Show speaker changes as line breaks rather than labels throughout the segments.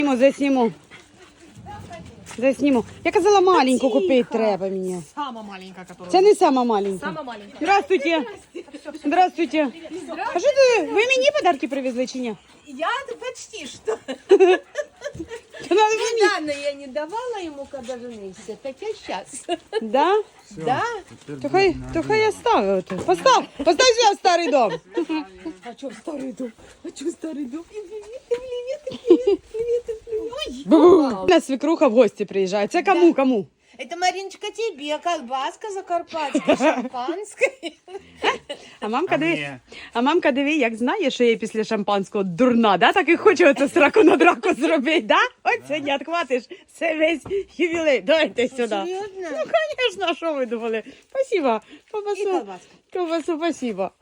Засніму. Засніму. Я казала, маленьку купити треба мені.
Сама маленькая, которая...
Це не сама маленька.
Сама маленькая.
Здравствуйте. Здравствуйте. А що ти, ви мені подарки привезли чи ні?
Я почти что.
Надо мені.
Недавно я не давала ему, когда женился, так я сейчас.
Да?
Да?
То хай я ставлю. Постав сюди в старий дом.
А что старый дом? А что старый дом? Привет.
У нас свекруха в гості приїжджає. Це кому?
Это, Мариночка, тебе колбаска закарпатская, шампанское.
А мамка диви, як знає, що я після шампанського дурна, да? Так і хоче оце сраку на драку зробити, да? Ось сьогодні відхватиш, це весь ювілей. Давайте сюди.
Серьезно?
Ну, конечно, а що ви думали? Спасибо.
И
Ковбасу, спасибо.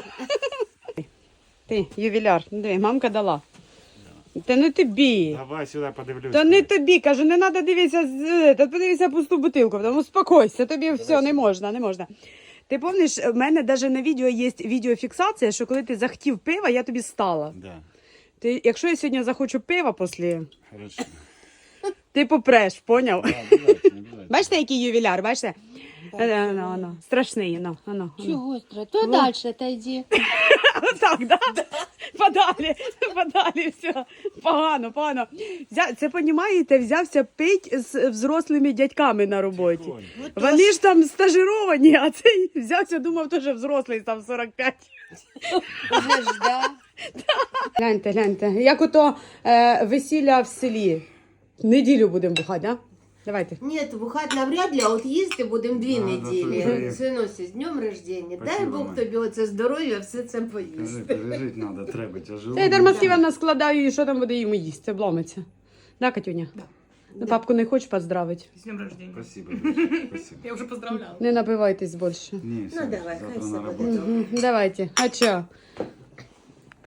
Ти, ювіляр, диви, мамка дала. Та не тобі.
Давай сюди подивлюсь.
Та не тобі, кажу, не треба дивитися, подивися пусту бутилку, тому успокойся, тобі все, не можна. Ти пам'ятаєш, в мене навіть на відео є відеофіксація, що коли ти захотів пива, я тобі стала.
Да.
Ти, якщо я сьогодні захочу пива після,
Хорошо.
ти попреш, поняв?
Да, обязательно.
Бачите, який ювіляр, бачите? Страшний,
Чего страшно? То дальше отойди.
Отак, да? Подалі, все. Погано. Це, понімаєте, взявся пить з взрослими дядьками на роботі.
Прикольно.
Вони ж там стажировані, а цей взявся, думав, теж взрослий, там 45.
Уже ж, да.
Гляньте, як ото весілля в селі. Неділю будемо бухати, да? Давайте.
Нет, бухать навряд ли, а от їсти будемо 2
Да,
неділі.
да,
Синусі, з днем рождения. Дай
Спасибо,
Бог
Мать.
тобі оце здоров'я, все це
Кажи,
поїсти.
пережить надо, треба, тяжело.
Це я дармослівно складаю, і що там буде йому їсти, це бломиться. Да, Катюня? Ну, папку не хочеш поздравити?
С днем рождения.
Спасибо, Миша, спасибо.
Я уже поздравляла.
Не напивайтесь більше.
Не, все,
давай,
завтра
хай
на
себе
работу.
Давайте. А чо?